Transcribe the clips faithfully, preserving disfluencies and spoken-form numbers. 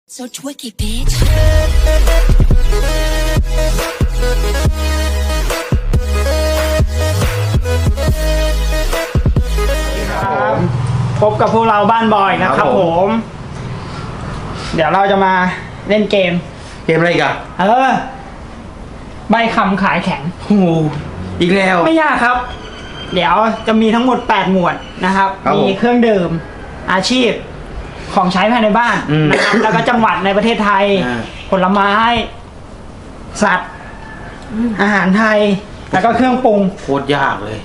So twicky, bitch. ครับพบกับพวกเราบ้านบอยนะครับผม เดี๋ยวเราจะมาเล่นเกมเกมอะไรอีกันเออ ใบคำขายแข็งโอ้โหอีกแล้วไม่ยากครับ เดี๋ยวจะมีทั้งหมดแปดหมวดนะครับครับผมมีเครื่องดื่ม อาชีพ ของใช้ภายในบ้านอืมนะครับ แล้วก็จังหวัดในประเทศไทยอ่าผลไม้ สัตว์ อาหารไทย แล้วก็เครื่องปรุงโคตรยากเลย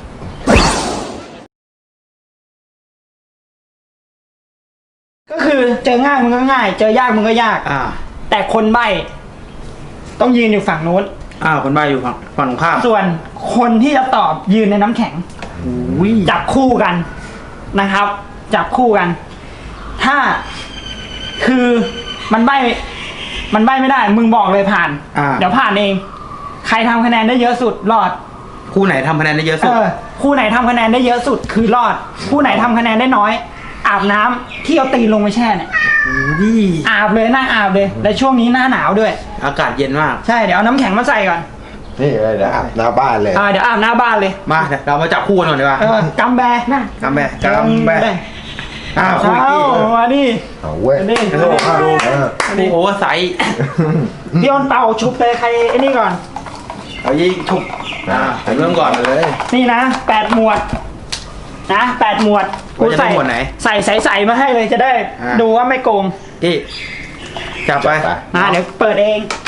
ก็คือเจอง่ายมันก็ง่าย เจอยากมันก็ยากอ่าแต่คนใบ้ต้องยืนอยู่ฝั่งนู้นอ้าวคนบ้าอยู่ฝั่งฝั่งตรงข้ามส่วนคนที่จะตอบยืนในน้ำแข็งอุ้ยจับคู่กันนะครับ จับคู่กัน ถ้าคือมันใบ้มันใบ้ไม่ได้ มึงบอกเลยผ่านอ่าเดี๋ยวผ่านเอง ใครทำคะแนนได้เยอะสุดรอดคู่ไหนทำคะแนนได้เยอะเอสุดอคู่ไหนทำคะแนนได้เยอะสุดคือรอด คู่ไหนทำคะแนนได้น้อย อาบน้ำที่เอาตีนลงไปแช่เนี่ยอุ้ยอาบเลยนั่งอาบเลย และช่วงนี้หน้าหนาวด้วยอากาศเย็นมากใช่เดี๋ยวเอาน้ำแข็งมาใส่ก่อนนี่เลยเดี๋ยวอาบหน้าบ้านเลยอ่าเดี๋ยวอาบหน้าบ้านเลยมาเดี๋ยวเรามาจับคู่กันก่อนดีกว่าเออกำแบนะกำแบกำแบอ้าวคุยเอ้ากี้มาดิเอาเว้ยมาดิโอ้โหเออคู่โอเวอร์ไซส์พี่อ้นเป่าชุบเลยใครไอ้นี่ก่อนเอายิงฉุกอ่าผมเริ่มก่อนเลยนี่นะแปดหมวด นะแปดหมวดว่าจะได้หมวดไหนใส่ใส่ใส่มาให้เลยจะได้อ่าดูว่าไม่โกงที่จับไปไปนะเดี๋ยวเปิดเอง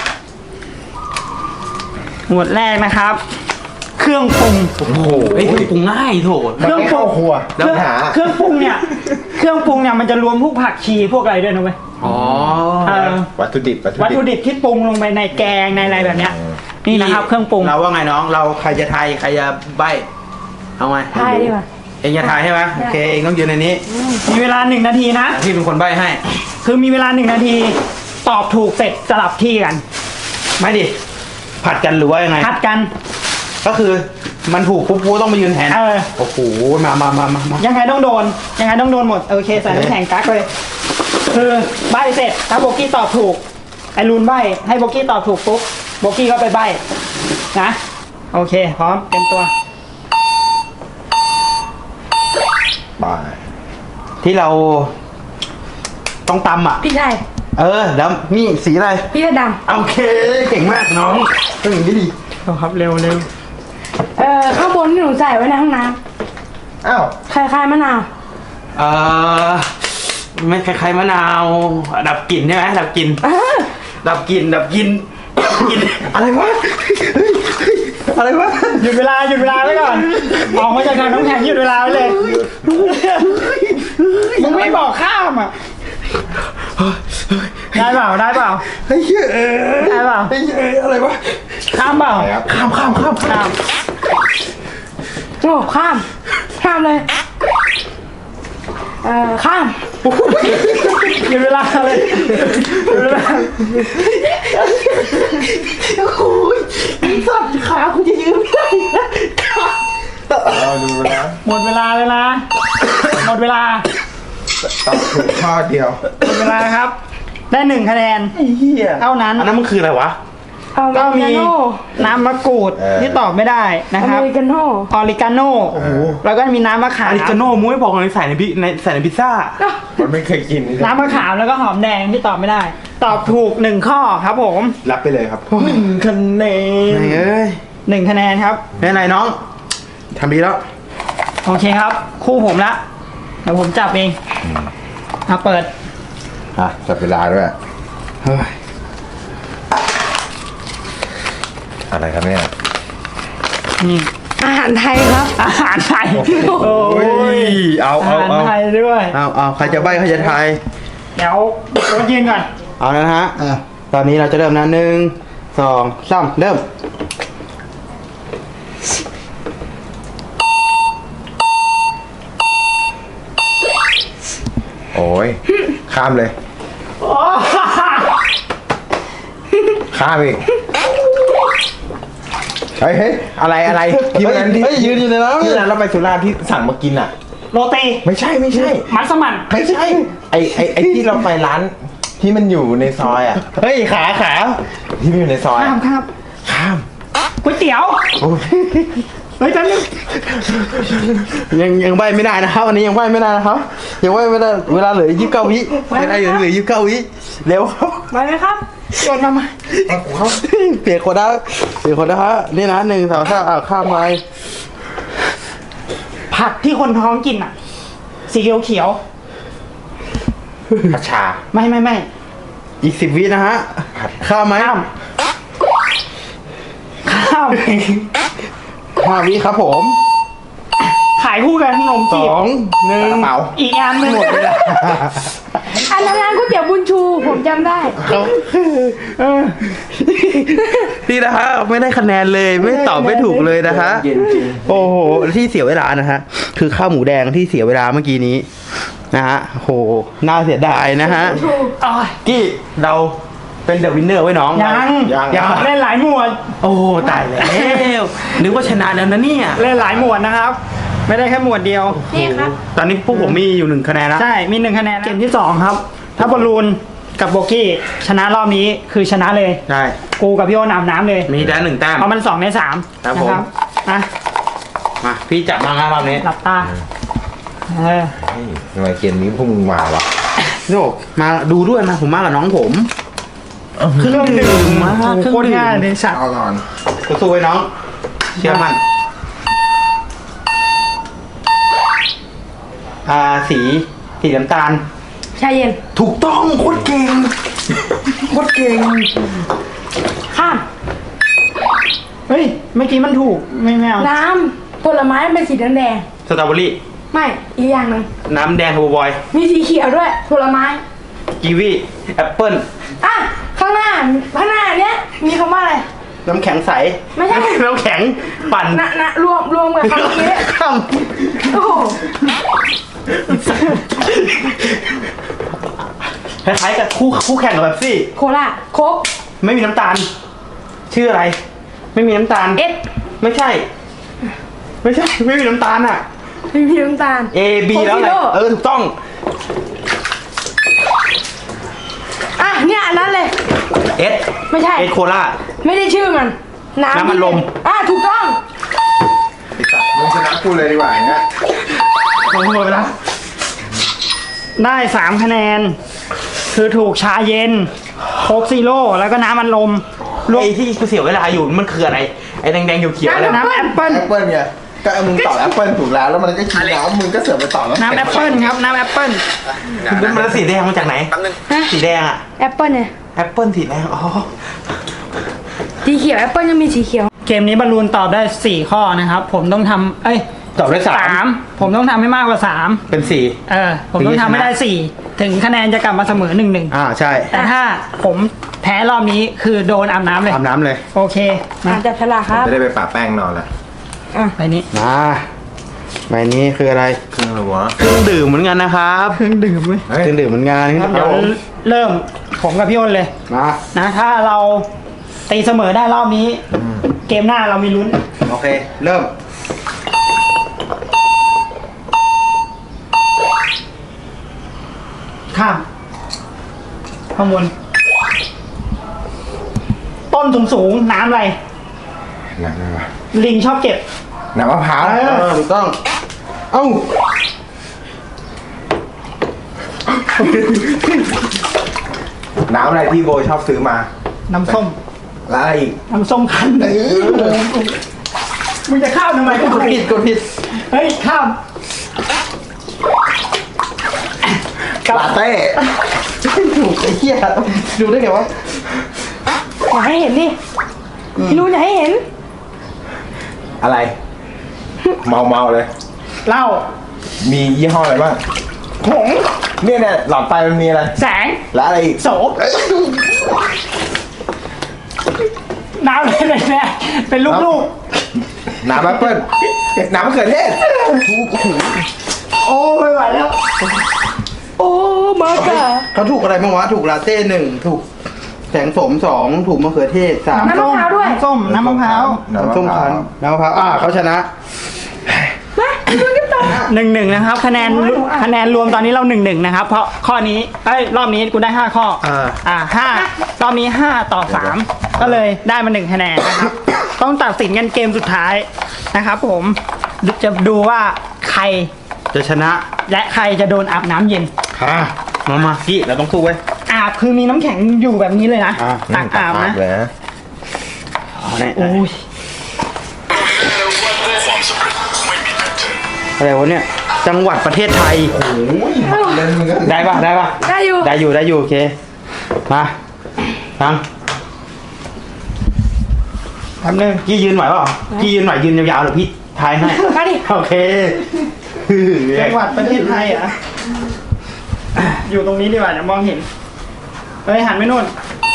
หมวดแรกนะครับ เครื่องปรุงโอ้โหเฮ้ยปรุงง่ายโถเครื่องปรุงเข้าครัวแล้วเครื่องหาเครื่องปรุงเนี่ย เครื่องปรุงเนี่ยมันจะรวมพวกผักชีพวกอะไรด้วยนะเว้ยอ๋อเออวัตถุดิบวัตถุดิบที่ปรุงลงไปในแกงในอะไรแบบเนี้ย นี่นะครับเครื่องปรุงเราว่าไงน้อง เราใครจะทายใครจะใบเอาไงทายดีกว่าเองจะทายใช่ไหมโอเคเองต้องยืนในนี้มีเวลาหนึ่งนาทีนะพี่เป็นคนใบให้คือมีเวลาหนึ่งนาที ตอบถูกเสร็จสลับที่กันไม่ดิ ผัดกันหรือว่ายังไงพัดกันก็คือมันถูกปุ๊บปุ๊บต้องมายืนแทนเออโอ้โห มามามามามายังไงต้องโดน ยังไงต้องโดนหมด โอเคใส่น้ำแข็งกักเลย คือใบเสร็จ ถ้าโบกี้ตอบถูก ไอรูนใบ ให้โบกี้ตอบถูกปุ๊บ โบกี้ก็ไปใบนะ โอเค พร้อม เต็มตัวไปที่เราต้องตำอ่ะพี่ชายเออแล้วนี่สีอะไรพี่เสื้อดโอเค เก่งมากน้องต้องอย่างนี้ดีเอาครับ เร็วเร็วำเอ่อข้างบนที่หนูใส่ไว้ในห้องน้อ้าวำคล้ายๆมะนาวเออไม่คล้ายๆมะนาว ดับกลิ่นใช่ไหมดับกลิ่นเออดับกลิ่นดับกลิ่นดับกลิ่นอะไรวะเฮ้ยเฮ้ยอะไรวะหยุดเวลา หยุดเวลาไว้ก่อน ออกมาจากถังน้ำแข็งหยุดเวลาไว้เลย มึงไม่บอกข้ามอ่ะ ได้เปล่า ได้เปล่าเฮ้ยเออได้เปล่าเฮ้ยเอออะไรวะข้ามเปล่าไปครับข้ามข้ามข้ามข้ามโอ้ข้าม ข้ามเลย เอ่อ ข้ามหยุดเวลาเลยหยุดเวลาโอ้ยสัตว์ขาคุณจะยืนไม่ได้นะเอาดูนะหมดเวลาเลยนะ หมดเวลาต้องถูกข้อเดียวหมดเวลาครับ ได้หนึ่งคะแนนไอ้เหี้ยเท่านั้นอันนั้นมันคืออะไรวะเอาก็อเมมีริกาโน่น้ำมะกรูดเออที่ตอบไม่ได้นะอครับเมริกาโน่ออริกาโน่แล้วก็มีน้ำมะขามอาริกาโน่มุ้ยบอกเลยใส่ในพิในใส่ในพิซซ่ามันไม่เคยกินนี่น้ำมะขามแล้วก็หอมแดงที่ตอบไม่ได้ ตอบถูกหนึ่งข้อครับผมรับไปเลยครับหนึ่งคะแนนเอ้ยหนึ่งคะแนนครับไม่เป็นไรน้องทำดีแล้วโอเคครับ คู่ผมละเดี๋ยวผมจับเองมาเปิดอ่ะจับเวลาด้วยเฮ้ยอะไรครับเนี่ยนี่อาหารไทยครับอาหารไทยโอ้โอ้ยยเอาอาเอาหารเอาไทยด้วยเอาเอาใครจะใบใครจะทายเดี๋ยวโค้ชยืนก่อนเอาแล้วนะฮะอ่ะตอนนี้เราจะเริ่มนะหนึ่งสองสามเริ่มโอ้ยข้ามเลย ข้ามอีกเฮ้ยเฮ้ยอะไรอะไรที่วันนั้นที่เฮ้ยยืนอยู่ในน้ำที่นั้นเราไปสุราษฎร์ที่สั่งมากินอ่ะโรตีไม่ใช่ไม่ใช่มัสมั่นไม่ใช่ ไอไอไอที่เราไปร้านที่มันอยู่ในซอยอ่ะเฮ้ยขาขาที่มันอยู่ในซอยข้ามอะครับข้ามก๋วยเตี๋ยวโอ้ยเฮ้ยแป๊บนึงยังยังใบไม่ได้นะครับวันนี้ยังใบไม่ได้นะครับยังใบไม่ได้เวลาเหลือยี่สิบเก้าวิเวลาเหลือยี่สิบเก้าวิเร็วครับไปไหมครับโยนมามาเขาเปลี่ยนคนนะเปลี่ยนคนนะฮะนี่นะหนึ่งสองสามอ่าข้ามไปผักที่คนท้องกินอ่ะ สีเขียวเขียวผัดชาๆไม่ไม่ไม่อีกสิบวินะฮะข้ามไหมข้ามข้ามห้าวิครับผมขายคู่กันขนมสจีบองหนึ่งกระเป๋าอีกอันหนึงหมดเวลาอันนั้นร้านก๋วยเตี๋ยวบุญชูผมจำได้เขาเออนี่นะฮะไม่ได้คะแนนเลยไม่ตอบไม่ถูกเลยนะฮะเย็นจริงโอ้โหที่เสียเวลานะฮะคือข้าวหมูแดงที่เสียเวลาเมื่อกี้นี้นะฮะโหน่าเสียดายนะฮะอ๋อกี้เราเป็นเดอะวินเนอร์ไว้น้องยังยังยังเล่นหลายหมวดโอ้ตายแล้วนึกว่าชนะแล้วนะเนี่ยเล่นหลายหมวดนะครับ ไม่ได้แค่หมวดเดียวนี่ครับตอนนี้พวกผมมีอยู่หนึ่งคะแนนแล้วใช่ มีหนึ่งคะแนนเกมที่สองครับ ถ้าบอลลูนกับโบกี้ชนะรอบนี้คือชนะเลยใช่กูกับพี่โอน้ำน้ำเลยมีได้หนึ่งแต้มเพราะมันสองในสามครับนะผมครับอ่ะมาพี่จับมางานรอบนี้หลับตาเออเฮ้ยทำไมเกมนี้พวกมึงมาวะโยกมาดูด้วยนะผมมากับน้องผมเครื่องดื่มมาโอ้โหเครื่องโคตรดื่มง่ายเลยสัตว์เอาก่อนสู้ๆไว้น้อง เชื่อมันอ่าสีสีน้ำตาลชาเย็นถูกต้องโคตรเก่งโคตรเก่งข้ามเฮ้ยเมื่อกี้มันถูกไม่ไม่เอาน้ำผลไม้เป็นสีแดงสตรอเบอรี่ๆไม่อีกอย่างหนึ่งน้ำแดงทูบอยมีสีเขียวด้วยผลไม้กีวีแอปเปิ้ลอ่ะข้างหน้าข้างหน้าเนี้ยมีคำว่าอะไรน้ำแข็งใสไม่ใช่น้ำแข็งปั่นนะนะรวมรวมกับคำนี้ข้ามโอ้โหคล้ายๆกับคู่คู่แข่งกับแบบซี่โคลาโคกไม่มีน้ำตาล ชื่ออะไร ไม่มีน้ำตาลเอสไม่ใช่ ไม่ใช่ ไม่มีน้ำตาลอ่ะไม่มีน้ำตาล A B แล้วอะไรโคซิโร่เออถูกต้องอ่ะเนี่ยอันนั้นเลย S ไม่ใช่เอสโคลาไม่ได้ชื่อมัน น้ำน้ำมันลมอ่ะถูกต้องไอ้สัตว์มึงชนะกูเลยดีกว่าอย่างเงี้ยลงหมดไปแล้วได้สามคะแนน คือถูกชาเย็นโคกซีโร่แล้วก็น้ำมันลมรวมไอ้ที่กูเสียเวลาอยู่มันคืออะไร ไอ้แดงๆเขียวๆอะไรน้ำแอปเปิ้ลแอปเปิ้ลไงก็มึงตอบแอปเปิ้ลถูกแล้วแล้วมันก็ชี้น้ำมึงก็เสือกไปตอบแล้วน้ำแอปเปิ้ลครับน้ำแอปเปิ้ลมันมันสีแดงมาจากไหนฮะสีแดงอะแอปเปิ้ลเนี่ยแอปเปิ้ลสีแดง อ๋อสีเขียวแอปเปิ้ลยังมีสีเขียวเกมนี้บอลลูนตอบได้สี่ข้อนะครับ ผมต้องทำเอ้ยตอบได้สามสามผมต้องทำให้มากกว่าสามเป็นสี่เออ ผมต้องทำให้ได้สี่ถึงคะแนนจะกลับมาเสมอหนึ่งหนึ่งอ่าใช่แต่ถ้าผมแพ้รอบนี้คือโดนอาบน้ำเลยอาบน้ำเลยโอเคมาอ่ะจับฉลากครับไม่ได้ไปปะแป้งนอนละไปนี้มาใบนี้คืออะไรเครื่องอะไรวะเครื่องดื่มเหมือนกันนะครับเครื่องดื่มเว้ยเฮ้ยเครื่องดื่มเหมือนกันครับเดี๋ยวเริ่มผมกับพี่อ้นเลยมานะถ้าเราตีเสมอได้รอบนี้ เกมหน้าเรามีลุ้นโอเค เริ่มข้ามข้างบนต้นสูงสูงๆน้ำอะไรน้ำอะไรวะลิงชอบเก็บน้ำมะพร้าวเอเออถูกต้อง เอ้าน้ำอะไรที่โบชอบซื้อมาน้ำส้มแล้วอะไรอีกน้ำส้มคั้นเลยมึงจะข้ามทำไมก็กดผิดกดผิดเฮ้ยข้ามลาเต้ถูกไอ้เหี้ยดูได้ไงวะอยากให้เห็นดิพี่รู้อยากให้เห็นอะไร เมาเมาๆเลยเหล้ามียี่ห้ออะไรบ้างผงเนี่ยเนี่ยหลอดไฟมันมีอะไรแสงแล้วอะไรอีกโสมน้ำอะไรเนี่ยเป็นลูกน้ำแอปเปิ้ลน้ำมะเขือเทศๆ โอ้ไม่ไหวแล้วโอ้มากะเขาถูกอะไรบ้างวะ ถูกลาเต้หนึ่งถูกแสงสมสองถูกมะเขือเทศสามน้ำมะพร้าวด้วยน้ำส้ม น้ำมะพร้าวน้ำส้มคั้นน้ำมะพร้าวอ่าเขาชนะมาพี่รู้กันต่อหนึ่งหนึ่งนะครับ คะแนนคะแนนรวมตอนนี้เราหนึ่งหนึ่งนะครับ เพราะข้อนี้เอ้ยรอบนี้กูได้ห้าข้อเอออ่าห้ารอบนี้ห้าต่อสามก็เลยได้มาหนึ่งคะแนนนะครับ ต้องตัดสินกันเกมสุดท้ายนะครับ ผมจะดูว่าใครจะชนะและใครจะโดนอาบน้ำเย็นอ่ะมามาพี่เราต้องสู้ไว้ยอาบคือมีน้ำแข็งอยู่แบบนี้เลยนะอ่าตักอาบนะเลยนะเอาเนี่ยโอ้ยอะไรวะเนี่ย จังหวัดประเทศไทยเล่นมึงก็ได้ปะได้ปะได้อยู่ได้อยู่ได้อยู่โอเค มาฟังทำหนึ่งพี่ยืนไหวเปล่าพี่ยืนไหวยืนยาวๆหรือพี่ทายให้มาดิโอเคจังหวัดประเทศไทยเหรอ่ะอยู่ตรงนี้ดีกว่าเดี๋ยวมองเห็นเฮ้ยหันไปนู่น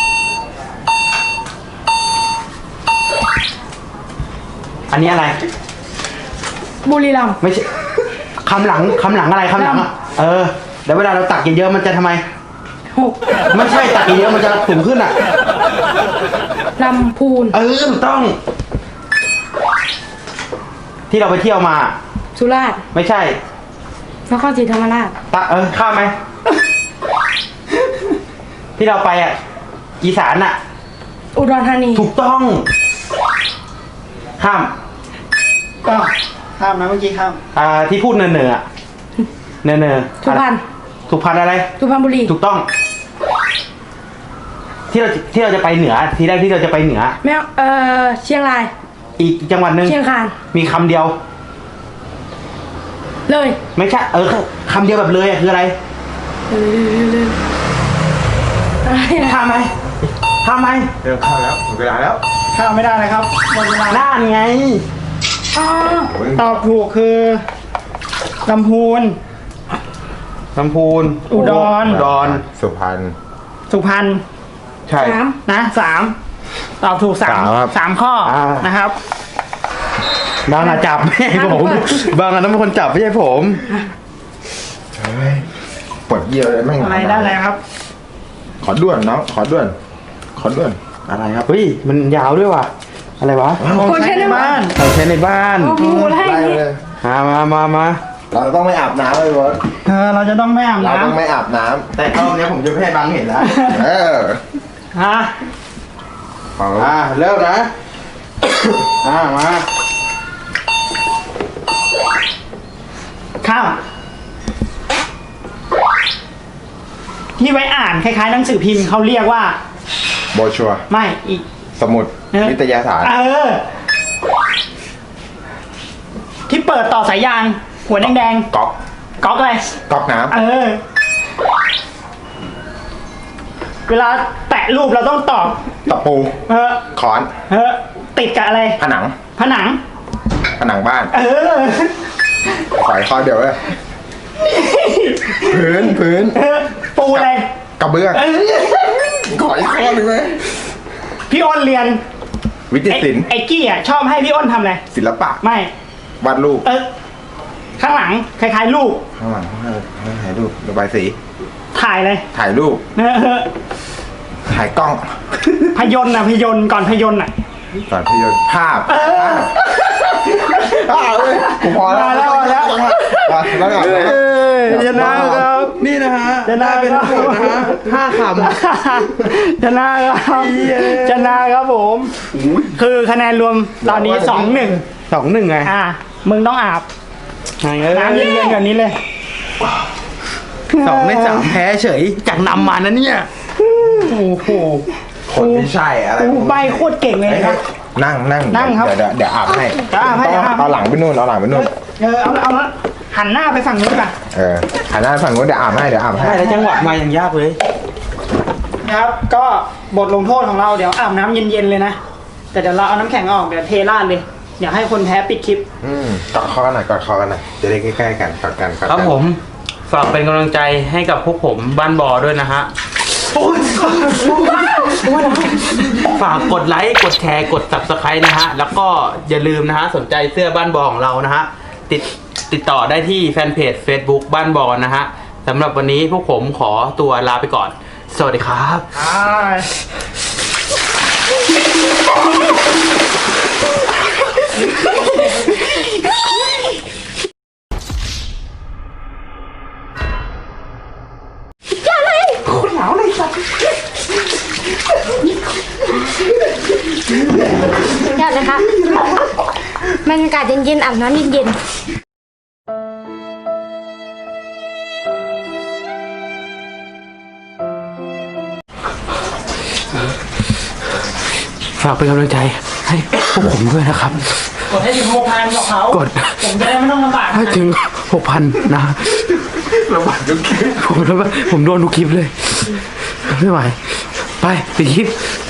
อันนี้อะไรบุรีรัมย์ไม่ใช่คำหลังคำหลังอะไรคำหลังอ่ะเออแล้วเวลาเราตักกินเยอะมันจะทำไมหกไม่ใช่ตักกินเยอะมันจะสูงขึ้นอ่ะลำพูนเออถูกต้อง ที่เราไปเที่ยวมาสุราษฎร์ไม่ใช่นครศรีธรรมราชตะเออข้ามไหม ที่เราไปอ่ะ อีสานอ่ะอุดรธานีถูกต้อง ข้ามก็ข้ามนะเมื่อกี้ข้ามอ่าที่พูดเนินเนออ่ะเนินเนอสุพรรณสุพรรณอะไรสุพรรณบุรีถูกต้อง ที่เราที่เราจะไปเหนือ ทีแรกที่เราจะไปเหนือแม่เอ่อเชียงรายอีกจังหวัดหนึ่งเชียงคานมีคำเดียวเลยไม่ใช่ เออคำเดียวแบบเลยอ่ะคืออะไรเลยเลยเลยอะไรนะข้ามไหมข้ามไหมเริ่มเข้าแล้วหมดเวลาแล้วข้ามไม่ได้นะครับหมดเวลาน่านไงอ๋อตอบถูกคือลำพูนลำพูนอุดรอุดรสุพรรณสุพรรณใช่สามนะสามตอบถูกสามสามครับสามข้ออา นะครับบางอะจับไม่ใช่ผม บางอันนั้นเป็นคนจับไม่ใช่ผมเฮ้ยปวดเยี่ยวเลยแม่งอะไรได้แล้วครับขอด่วนน้องขอด่วน ขอด่วนอะไรครับ เฮ้ย มันยาวด้วยว่ะ อะไรวะของใช้ในบ้านของใช้ในบ้านโอ้โหแล้วไล่ให้ไปเลยมามามามาเราต้องไม่อาบน้ำเลยบอสเออเราจะต้องไม่อาบเราต้องน้ำไม่อาบน้แต่รอบนี้ผมจะไม่ให้บางเห็นแล้วำเออฮะเอาอ่าเริ่มนะ อ่ามาข้ามที่ไว้อ่านคล้ายๆหนังสือพิมพ์เขาเรียกว่าโบชัวร์ไม่อีกสมุดเออวิทยาศาสตร์เออ ที่เปิดต่อสายยาง หัวแดงก๊อกๆก๊อกอะไรก๊อกน้เออ เวลาแตะรูปเราต้องตอบำตะปูเออขอนเออ ติดกับอะไรผนังผนังผนังบ้านเออขอยข้อเดียวเลยพื้นพื้นเออ ปูอะไรกระเบื้องเออขออีกข้อหนึ่งไหมพี่อ้นเรียนวิทยาไอ้ศิลป์ไอ้กี้อ่ะชอบให้พี่อ้นทำอะไรศิลปะไม่วาดรูปเออ ข้างหลังคล้ายๆรูปข้างหลังให้ถ่ายรูป ระบายสีถ่ายเลยถ่ายรูปเออถ่ายกล้องพยนต์อ่ะพยนต์ก่อนพยนต์อ่ะก่อนพยนต์ภาพเออภาพเลยผมพอแล้วมาแล้วมาแล้วมาแล้วก่อนเอ้ยชนะครับ นี่นะฮะชนะได้เป็นครับทั้งหมดนะฮะห้าคำชนะครับเย้ชนะครับผม คือคะแนนรวมตอนนี้สองหนึ่งสองหนึ่งไงอ่า มึงต้องอาบไงเอ้ยน้ำเย็นๆแบบนี้เลยสองในสามแพ้เฉย จากนำมานะเนี่ย โอ้โหคนไม่ใช่อะไรกูใบโคตรเก่งเลยนะนั่งนั่งนั่งครับเดี๋ยวเดี๋ยวเดี๋ยวอาบให้เดี๋ยวอาบให้ต้องเดี๋ยวอาบให้เอาหลังไปนู่นเอาหลังไปนู่นเออเอาเอาละหันหน้าไปฝั่งนู้นก่อนเออหันหน้าฝั่งนู้นเดี๋ยวอาบให้เดี๋ยวอาบให้ได้แล้วจังหวัดมายังยากเลยนะครับ ก็บทลงโทษของเราเดี๋ยวอาบน้ำเย็นๆเลยนะ แต่เดี๋ยวเราเอาน้ำแข็งออกเดี๋ยวเทราดเลย เดี๋ยวให้คนแพ้ปิดคลิปอืมกอดคอกันหน่อยกอดคอกันหน่อยจะได้ใกล้ๆกันกอดกันกอดคกัรับผม ฝากเป็นกำลังใจให้กับพวกผมบ้านบอด้วยนะฮะ ฝากกดไลค์ กดแชร์ กด ซับสไครบ์ นะฮะ แล้วก็อย่าลืมนะฮะ สนใจเสื้อบ้านบอของเรานะฮะ ติดติดต่อได้ที่แฟนเพจ Facebook บ้านบอนะฮะสำหรับวันนี้พวกผมขอตัวลาไปก่อน สวัสดีครับอ่านะคะ มันอากาศเย็นๆอาบน้ำเย็นฝากเป็นกำลังใจให้พวกผมด้วยนะครับกดให้ถึงหกพันบอกเขากดผมจะได้ไม่ต้องลำบากให้ถึงหกพันนะระบาดทุกทีผมแล้วผมโดนทุกคลิปเลย ไม่ไหว ไปปิดคลิป